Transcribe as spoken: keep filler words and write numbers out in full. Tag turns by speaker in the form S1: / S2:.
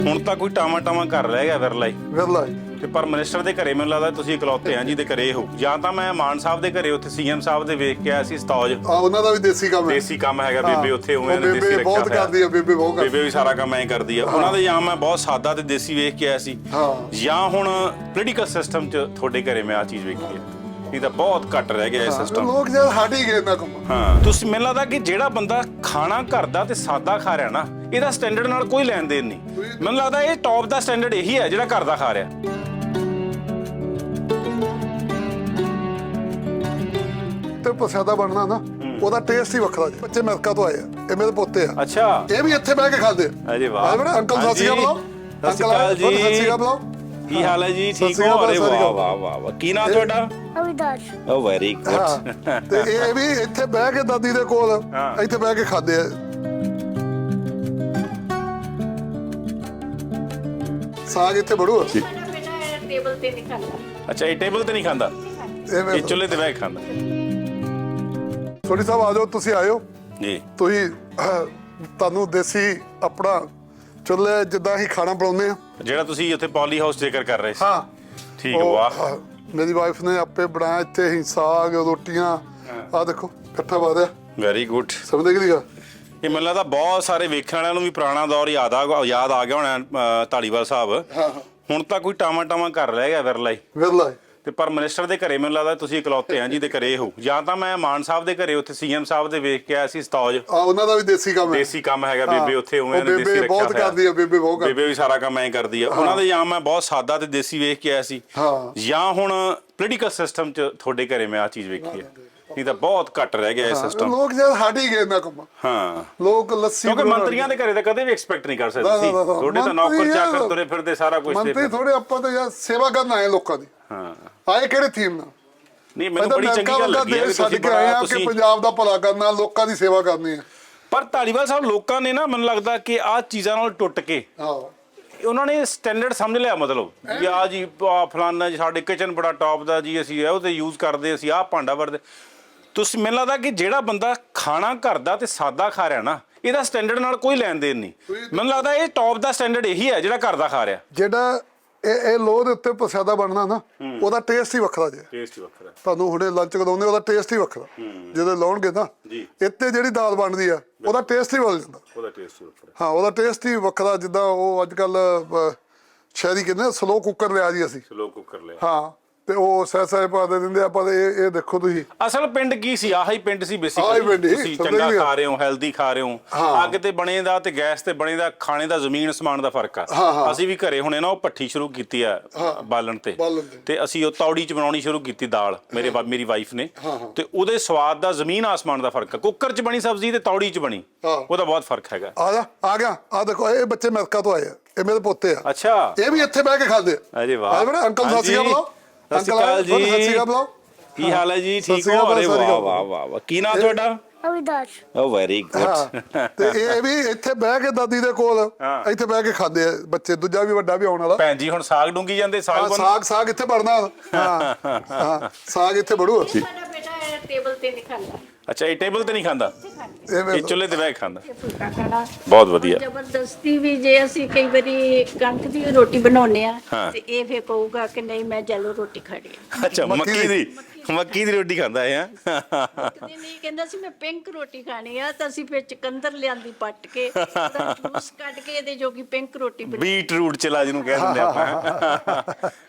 S1: ਹੁਣ ਤਾਂ ਕੋਈ ਟਾਵਾਂ ਟਾਵਾਂ ਘਰ ਰਹਿ ਗਿਆ ਵਿਰਲਾ ਹੀ
S2: ਵਿਰਲਾ
S1: ਤੇ ਪਰ ਮਿਨਿਸਟਰ ਦੇ ਘਰੇ ਮੈਨੂੰ ਲੱਗਦਾ ਤੁਸੀਂ ਇਕਲੌਤੇ ਆ ਜਿਹਦੇ ਘਰੇ ਹੋ। ਜਾਂ ਤਾਂ ਮੈਂ ਮਾਨ ਸਾਹਿਬ ਦੇ ਘਰੇ ਉੱਥੇ ਸੀਐਮ ਸਾਹਿਬ ਦੇ ਵੇਖ ਕੇ ਆਇਆ ਸੀ ਸਤੌਜ,
S2: ਆ ਉਹਨਾਂ ਦਾ ਵੀ ਦੇਸੀ ਕੰਮ ਹੈ।
S1: ਦੇਸੀ ਕੰਮ ਹੈਗਾ, ਬੇਬੇ ਉੱਥੇ ਉਵੇਂ ਨੇ ਦੇਸੀ
S2: ਬੇਬੇ
S1: ਰੱਖਿਆ
S2: ਬਹੁਤ
S1: ਹੋਇਆ।
S2: ਕਰਦੀ ਆ, ਬੇਬੇ ਬਹੁਤ ਕਰਦੀ
S1: ਬੇਬੇ ਵੀ ਸਾਰਾ ਕੰਮ ਐਂ ਕਰਦੀ ਆ। ਉਹਨਾਂ ਦੇ ਜਾਂ ਮੈਂ ਬਹੁਤ ਸਾਦਾ ਤੇ ਦੇਸੀ ਵੇਖ ਕੇ ਆਇਆ ਸੀ,
S2: ਹਾਂ।
S1: ਜਾਂ ਹੁਣ ਪੋਲੀਟੀਕਲ ਸਿਸਟਮ 'ਚ ਤੁਹਾਡੇ ਘਰੇ ਮੈਂ ਆ ਚੀਜ਼ ਵੇਖੀ ਹੈ। ਨਹੀਂ ਤਾਂ ਬਹੁਤ ਘੱਟ ਰਹਿ ਗਿਆ ਇਹ ਸਿਸਟਮ।
S2: ਲੋਕ ਜਦ ਹਟ ਹੀ ਗਏ ਨਾ ਕੰਮ।
S1: ਹਾਂ, ਤੁਸੀਂ ਮੈਨੂੰ ਲੱਗਦਾ ਕਿ ਜਿਹੜਾ ਬੰਦਾ ਖਾਣਾ ਘਰ ਦਾ ਤੇ ਸਾਦਾ ਖਾ ਰਿਹਾ ਨਾ, ਇਹਦਾ ਸਟੈਂਡਰਡ ਨਾਲ ਕੋਈ ਲੈਣ ਦੇਣ ਨਹੀਂ। ਮੈਨੂੰ ਲੱਗਦਾ ਇਹ ਟੌਪ ਦਾ ਸਟੈਂਡਰਡ ਇਹੀ ਹੈ ਜਿਹੜਾ ਘਰ ਦਾ ਖਾ ਰਿਹਾ।
S2: ਤੇ ਪ੍ਰਸ਼ਾਦਾ ਬਣਨਾ ਨਾ, ਉਹਦਾ ਟੇਸਟ ਹੀ ਵੱਖਰਾ ਜੀ। ਬੱਚੇ ਅਮਰੀਕਾ ਤੋਂ ਆਏ ਆ, ਇਹ ਮੇਰੇ ਪੋਤੇ ਆ।
S1: ਅੱਛਾ,
S2: ਇਹ ਵੀ ਇੱਥੇ ਬਹਿ ਕੇ ਖਾਂਦੇ ਆ।
S1: ਅਜੇ ਵਾਹ।
S2: ਬੜਾ ਅੰਕਲ ਸਤਿ ਸ਼੍ਰੀ ਅਕਾਲ ਬੁਲਾਓ।
S1: ਸਤਿ ਸ਼੍ਰੀ ਅਕਾਲ ਜੀ।
S2: ਸਤਿ ਸ਼੍ਰੀ ਅਕਾਲ ਬੁਲਾਓ।
S1: ਕੀ ਹਾਲ ਹੈ ਜੀ?
S2: ਸਤਿ
S1: ਠੀਕ
S2: ਸ਼੍ਰੀ
S1: ਹੋ?
S2: ਅਕਾਲ,
S1: ਅਰੇ
S2: ਸਤਿ ਸ਼੍ਰੀ
S1: ਵਾਹ
S2: ਅਕਾਲ।
S1: ਵਾਹ ਵਾਹ ਵਾਹ। ਕੀ ਨਾਮ ਤੁਹਾਡਾ?
S3: ਅਵਿਦਾਸ਼।
S1: Oh very good.
S2: ਹਾਂ, ਤੇ ਇਹ ਵੀ ਇੱਥੇ ਬਹਿ ਕੇ ਦਾਦੀ ਦੇ ਕੋਲ
S1: ਹਾਂ।
S2: ਇੱਥੇ ਬਹਿ ਕੇ ਖਾਂਦੇ ਆ। ਸਾਗ ਇੱਥੇ ਬੜੂ
S3: ਸਾਡਾ ਬੇਟਾ ਟੇਬਲ ਤੇ ਨਹੀਂ ਖਾਂਦਾ।
S1: ਅੱਛਾ, ਇਹ ਟੇਬਲ ਤੇ ਨਹੀਂ ਖਾਂਦਾ,
S2: ਇਹ
S1: ਇਹ ਚੁੱਲ੍ਹੇ ਤੇ ਬਹਿ ਕੇ ਖਾਂਦਾ
S2: ਸੋਢੀ ਸਾਹਿਬ ਆ ਜਾਓ, ਤੁਸੀਂ ਆਇਓ
S1: ਜੀ।
S2: ਤੁਸੀਂ ਅਹ, ਤੁਹਾਨੂੰ ਦੇਸੀ ਆਪਣਾ ਚੁੱਲ੍ਹੇ ਜਿੱਦਾਂ ਹੀ ਖਾਣਾ ਬਣਾਉਂਦੇ ਆ।
S1: ਜਿਹੜਾ ਤੁਸੀਂ ਉੱਥੇ ਪੌਲੀ ਹਾਊਸ ਜ਼ਿਕਰ ਕਰ ਰਹੇ ਸੀ।
S2: ਹਾਂ
S1: ਠੀਕ,
S2: ਉਹ,
S1: ਵਾਹ।
S2: ਅਹ, ਮੇਰੀ ਵਾਈਫ ਨੇ ਆਪੇ ਬਣਾਇਆ ਇੱਥੇ ਹੀ ਸਾਗ ਰੋਟੀਆਂ। ਆ ਦੇਖੋ ਇਕੱਠਾ ਪਾ ਦਿਆ,
S1: ਵੈਰੀ ਗੁੱਡ।
S2: ਸਮਝਦੇ ਕਿ ਨਹੀਂ?
S1: ਇਹ ਮੈਨੂੰ ਲੱਗਦਾ ਬਹੁਤ ਸਾਰੇ ਵੇਖਣ ਵਾਲਿਆਂ ਨੂੰ ਵੀ ਪੁਰਾਣਾ ਦੌਰ ਯਾਦ ਆ ਯਾਦ ਆ ਗਿਆ ਹੋਣਾ। ਅਹ, ਧਾਲੀਵਾਲ ਸਾਹਿਬ,
S2: ਹਾਂ
S1: ਹੁਣ ਤਾਂ ਕੋਈ ਟਾਵਾਂ ਟਾਵਾਂ ਘਰ ਰਹਿ ਗਿਆ ਵਿਰਲਾ ਹੀ
S2: ਵਿਰਲਾ ਹੀ।
S1: ਤੇ ਪਰ ਮਿਨਿਸਟਰ ਦੇ ਘਰੇ ਮੈਨੂੰ ਲੱਗਦਾ ਤੁਸੀਂ ਇਕਲੌਤੇ ਆ ਜਿਹਦੇ ਘਰੇ ਹੋ। ਜਾਂ ਤਾਂ ਮੈਂ ਮਾਨ ਸਾਹਿਬ ਦੇ ਘਰੇ ਉੱਥੇ ਸੀਐਮ ਸਾਹਿਬ ਦੇ ਵੇਖ ਕੇ ਆਇਆ ਸੀ ਸਤੌਜ,
S2: ਆ ਉਹਨਾਂ ਦਾ ਵੀ ਦੇਸੀ ਕੰਮ ਹੈ।
S1: ਦੇਸੀ ਕੰਮ ਹੈਗਾ, ਬੇਬੇ ਉੱਥੇ ਉਵੇਂ ਨੇ ਦੇਸੀ
S2: ਬੇਬੇ
S1: ਰੱਖਿਆ
S2: ਬਹੁਤ ਕਰਦੀ ਆ, ਬੇਬੇ ਬਹੁਤ ਕਰਦੀ।
S1: ਬੇਬੇ ਵੀ ਸਾਰਾ ਕੰਮ ਐਂ ਕਰਦੀ ਆ। ਉਹਨਾਂ ਦੇ ਜਾਂ ਮੈਂ ਬਹੁਤ ਸਾਦਾ ਤੇ ਦੇਸੀ ਵੇਖ ਕੇ ਆਇਆ ਸੀ,
S2: ਹਾਂ।
S1: ਜਾਂ ਹੁਣ ਪੋਲੀਟੀਕਲ ਸਿਸਟਮ 'ਚ ਤੁਹਾਡੇ ਘਰੇ ਮੈਂ ਆ ਚੀਜ਼ ਵੇਖੀ ਹੈ। ਨਹੀਂ ਤਾਂ ਬਹੁਤ ਘੱਟ ਰਹਿ ਗਿਆ ਇਹ ਸਿਸਟਮ।
S2: ਲੋਕ ਜਦ ਹਟ ਹੀ ਗਏ ਨਾ ਕੰਮ।
S1: ਹਾਂ,
S2: ਲੋਕ ਲੱਸੀ
S1: ਕਿਉਂਕਿ
S2: ਬਣਾਉਣ
S1: ਮੰਤਰੀਆਂ ਦੇ ਘਰੇ ਤਾਂ ਕਦੇ ਵੀ ਐਕਸਪੈਕਟ ਨਹੀਂ ਕਰ ਸਕਦੇ
S2: ਨਾ,
S1: ਸੀ।
S2: ਨਾ, ਨਾ,
S1: ਤੁਹਾਡੇ ਤਾਂ ਨੌਕਰ
S2: ਮੰਤਰੀ
S1: ਚਾਕਰ
S2: ਯਾਰ,
S1: ਤੁਰੇ ਫਿਰਦੇ ਸਾਰਾ ਕੁਝ ਤੇ
S2: ਮੰਤਰੀ ਥੋੜੇ ਆਪਾਂ ਤਾਂ ਯਾਰ ਸੇਵਾ ਕਰਨ ਆਏ ਲੋਕਾਂ ਦੀ।
S1: ਹਾਂ,
S2: ਆਏ ਕਿਹੜੇ ਥੀਮ ਨਾਲ?
S1: ਨਹੀਂ ਮੈਨੂੰ ਬੜੀ ਚੰਗੀ ਗੱਲ ਲੱਗੀ ਹੈ ਵੀ
S2: ਛੱਡ
S1: ਤੁਸੀਂ
S2: ਕੇ ਆਏ
S1: ਬੜਾ
S2: ਆ ਕਿ
S1: ਤੁਸੀਂ।
S2: ਪੰਜਾਬ ਦਾ ਭਲਾ ਕਰਨਾ, ਲੋਕਾਂ ਦੀ ਸੇਵਾ ਕਰਨੀ ਹੈ।
S1: ਪਰ ਧਾਲੀਵਾਲ ਸਾਹਿਬ ਲੋਕਾਂ ਨੇ ਨਾ, ਮੈਨੂੰ ਲੱਗਦਾ ਕਿ ਆਹ ਚੀਜ਼ਾਂ ਨਾਲ ਟੁੱਟ ਕੇ
S2: ਹਾਂ,
S1: ਉਹਨਾਂ ਨੇ ਸਟੈਂਡਰਡ ਸਮਝ ਲਿਆ। ਮਤਲਬ ਵੀ ਆ ਜੀ ਆਹ ਫਲਾਨਾ ਜੀ ਸਾਡੇ ਕਿਚਨ ਬੜਾ ਟੌਪ ਦਾ ਜੀ, ਅਸੀਂ ਉਹ ਤੇ ਯੂਜ਼ ਕਰਦੇ, ਅਸੀਂ ਆਹ ਭਾਂਡਾ ਵਰਦੇ। ਤੁਸੀਂ ਮੈਨੂੰ ਲੱਗਦਾ ਕਿ ਜਿਹੜਾ ਬੰਦਾ ਖਾਣਾ ਘਰ ਦਾ ਤੇ ਸਾਦਾ ਖਾ ਰਿਹਾ ਨਾ, ਇਹਦਾ ਸਟੈਂਡਰਡ ਨਾਲ ਕੋਈ ਲੈਣ ਦੇਣ ਨਹੀਂ। ਮੈਨੂੰ ਲੱਗਦਾ ਇਹ ਟੌਪ ਦਾ ਸਟੈਂਡਰਡ ਇਹੀ ਹੈ ਜਿਹੜਾ ਘਰ ਦਾ ਖਾ ਰਿਹਾ।
S2: ਜਿਹੜਾ ਇਹ ਇਹ ਲੋਹ ਦੇ ਉੱਤੇ ਪ੍ਰਸ਼ਾਦਾ ਬਣਨਾ ਨਾ, ਉਹਦਾ ਟੇਸਟ ਹੀ ਵੱਖਰਾ ਜੇ।
S1: ਟੇਸਟ ਵੱਖਰਾ।
S2: ਤੁਹਾਨੂੰ ਹੁਣੇ ਲੰਚ ਕਰਾਉਂਦੇ, ਉਹਦਾ ਟੇਸਟ ਹੀ ਵੱਖਰਾ। ਜਦੋਂ ਲਾਉਣਗੇ ਨਾ
S1: ਜੀ।
S2: ਇੱਥੇ ਜਿਹੜੀ ਦਾਲ ਬਣਦੀ ਆ, ਉਹਦਾ ਟੇਸਟ ਹੀ ਬਦਲ ਜਾਂਦਾ।
S1: ਉਹਦਾ ਟੇਸਟ ਵੱਖਰਾ।
S2: ਹਾਂ, ਉਹਦਾ ਟੇਸਟ ਹੀ ਵੱਖਰਾ। ਜਿੱਦਾਂ ਉਹ ਅੱਜ ਕੱਲ ਸ਼ਹਿਰੀ ਕਹਿੰਦੇ ਸਲੋ ਕੁੱਕਰ ਲਿਆ ਜੀ ਅਸੀਂ।
S1: ਸਲੋ ਕੁੱਕਰ ਲਿਆ।
S2: ਹਾਂ, ਤੇ ਉਹ ਸਹਿ ਸਹਿ ਪਾ ਦੇ ਦਿੰਦੇ ਆ। ਪਰ ਇਹ ਇਹ ਦੇਖੋ ਤੁਸੀਂ,
S1: ਅਸਲ ਪਿੰਡ ਕੀ ਸੀ? ਆਹੀ ਪਿੰਡ ਸੀ
S2: ਆਹੀ
S1: ਬੇਸਿਕਲੀ।
S2: ਪਿੰਡ ਹੀ,
S1: ਤੁਸੀਂ
S2: ਸਮਝ
S1: ਚੰਗਾ
S2: ਗਏ।
S1: ਖਾ ਰਹੇ ਹੋ, ਹੈਲਦੀ ਖਾ ਰਹੇ ਹੋ।
S2: ਹਾਂ।
S1: ਅੱਗ ਤੇ ਬਣੇ ਦਾ ਤੇ ਗੈਸ ਤੇ ਬਣੇ ਦਾ ਖਾਣੇ ਦਾ ਜ਼ਮੀਨ ਅਸਮਾਨ ਦਾ ਫਰਕ ਆ।
S2: ਹਾਂ, ਹਾਂ।
S1: ਅਸੀਂ ਵੀ ਘਰੇ ਹੁਣੇ ਨਾ ਉਹ ਭੱਠੀ ਸ਼ੁਰੂ ਕੀਤੀ ਆ ਬਾਲਣ ਤੇ
S2: ਬਾਲਣ ਤੇ।
S1: ਤੇ ਅਸੀਂ ਉਹ ਤੌੜੀ ਚ ਬਣਾਉਣੀ ਸ਼ੁਰੂ ਕੀਤੀ ਦਾਲ, ਮੇਰੇ ਵਾ- ਮੇਰੀ ਵਾਈਫ ਨੇ। ਤੇ ਉਹਦੇ ਸਵਾਦ ਦਾ ਜ਼ਮੀਨ ਆਸਮਾਨ ਦਾ ਫਰਕ ਆ। ਕੁੱਕਰ ਚ ਬਣੀ ਸਬਜ਼ੀ ਤੇ ਤੌੜੀ ਚ ਬਣੀ,
S2: ਹਾਂ।
S1: ਉਹਦਾ ਬਹੁਤ ਫਰਕ ਹੈਗਾ।
S2: ਆ ਜਾ ਆ ਗਿਆ। ਆ ਦੇਖੋ ਇਹ ਬੱਚੇ ਅਮਰੀਕਾ ਤੋਂ ਆਏ ਆ, ਇਹ ਮੇਰੇ ਪੋਤੇ ਆ।
S1: ਅੱਛਾ,
S2: ਇਹ ਵੀ ਇੱਥੇ ਬਹਿ ਕੇ ਖਾਂਦੇ ਆ।
S1: ਅਜੇ ਵਾਹ।
S2: ਬੜਾ ਅੰਕਲ ਸਤਿ ਸ਼੍ਰੀ ਅਕਾਲ ਬੁਲਾਓ।
S1: ਸਤਿ ਸ਼੍ਰੀ ਅਕਾਲ ਜੀ।
S2: ਸਤਿ ਸ਼੍ਰੀ ਅਕਾਲ ਬੁਲਾਓ।
S1: ਕੀ ਹਾਲ ਹੈ ਜੀ?
S2: ਸਤਿ
S1: ਠੀਕ
S2: ਸ਼੍ਰੀ
S1: ਹੋ?
S2: ਅਕਾਲ,
S1: ਅਰੇ
S2: ਸਤਿ ਸ਼੍ਰੀ
S1: ਵਾਹ
S2: ਅਕਾਲ।
S1: ਵਾਹ ਵਾਹ ਵਾਹ। ਕੀ ਨਾਮ ਤੁਹਾਡਾ?
S3: ਅਵਿਦਾਸ਼।
S1: Oh very good.
S2: ਹਾਂ, ਤੇ ਇਹ ਵੀ ਇੱਥੇ ਬਹਿ ਕੇ ਦਾਦੀ ਦੇ ਕੋਲ
S1: ਹਾਂ।
S2: ਇੱਥੇ ਬਹਿ ਕੇ ਖਾਂਦੇ ਆ ਬੱਚੇ। ਦੂਜਾ ਵੀ ਵੱਡਾ ਵੀ ਆਉਣ ਵਾਲਾ।
S1: ਭੈਣ ਜੀ ਹੁਣ ਸਾਗ ਡੂੰਗੀ ਜਾਂਦੇ, ਸਾਗ
S2: ਹਾਂ,
S1: ਬਣ
S2: ਸਾਗ ਸਾਗ ਇੱਥੇ ਬਣਨਾ। ਹਾਂ ਹਾਂ, ਸਾਗ ਇੱਥੇ ਬੜੂ।
S3: ਸਾਡਾ ਬੇਟਾ ਟੇਬਲ ਤੇ ਨਹੀਂ ਖਾਂਦਾ।
S1: ਅੱਛਾ, ਇਹ ਟੇਬਲ ਤੇ ਨਹੀਂ ਖਾਂਦਾ,
S2: ਇਹ
S1: ਇਹ
S2: ਵੇਖ ਲਓ।
S1: ਚੁੱਲ੍ਹੇ ਤੇ ਬਹਿ ਕੇ ਖਾਂਦਾ।
S3: ਇਹ ਫੁਲਕਾ ਖਾਣਾ
S1: ਬਹੁਤ ਵਧੀਆ।
S3: ਜ਼ਬਰਦਸਤੀ ਵੀ ਜੇ ਅਸੀਂ ਕਈ ਵਾਰੀ ਕਣਕ ਦੀ ਰੋਟੀ ਬਣਾਉਂਦੇ ਆ
S1: ਹਾਂ।
S3: ਤੇ ਇਹ ਫੇਰ ਕਹੂਗਾ ਕਿ ਨਹੀਂ ਮੈਂ ਜੈਲੋ ਰੋਟੀ ਖਾਣੀ ਆ।
S1: ਅੱਛਾ,
S2: ਮੱਕੀ
S1: ਮੱਕੀ
S2: ਦੀ।
S1: ਦੀ ਮੱਕੀ ਦੀ ਰੋਟੀ ਖਾਂਦਾ ਹੈ।
S3: ਕਦੇ ਨਹੀਂ ਕਹਿੰਦਾ ਸੀ ਮੈਂ ਪਿੰਕ ਰੋਟੀ ਖਾਣੀ ਆ, ਤਾਂ ਅਸੀਂ ਫੇਰ ਚਕੰਦਰ ਲਿਆਂਦੀ ਪੱਟ ਕੇ ਉਹਦਾ ਜੂਸ ਕੱਢ ਕੇ ਇਹਦੇ ਜੋਗੀ ਪਿੰਕ ਰੋਟੀ ਬਣਾ।
S1: ਬੀਟ ਰੂਟ ਚਲਾ ਜਿਹਨੂੰ ਕਹਿ ਦਿੰਦੇ ਆਪਾਂ।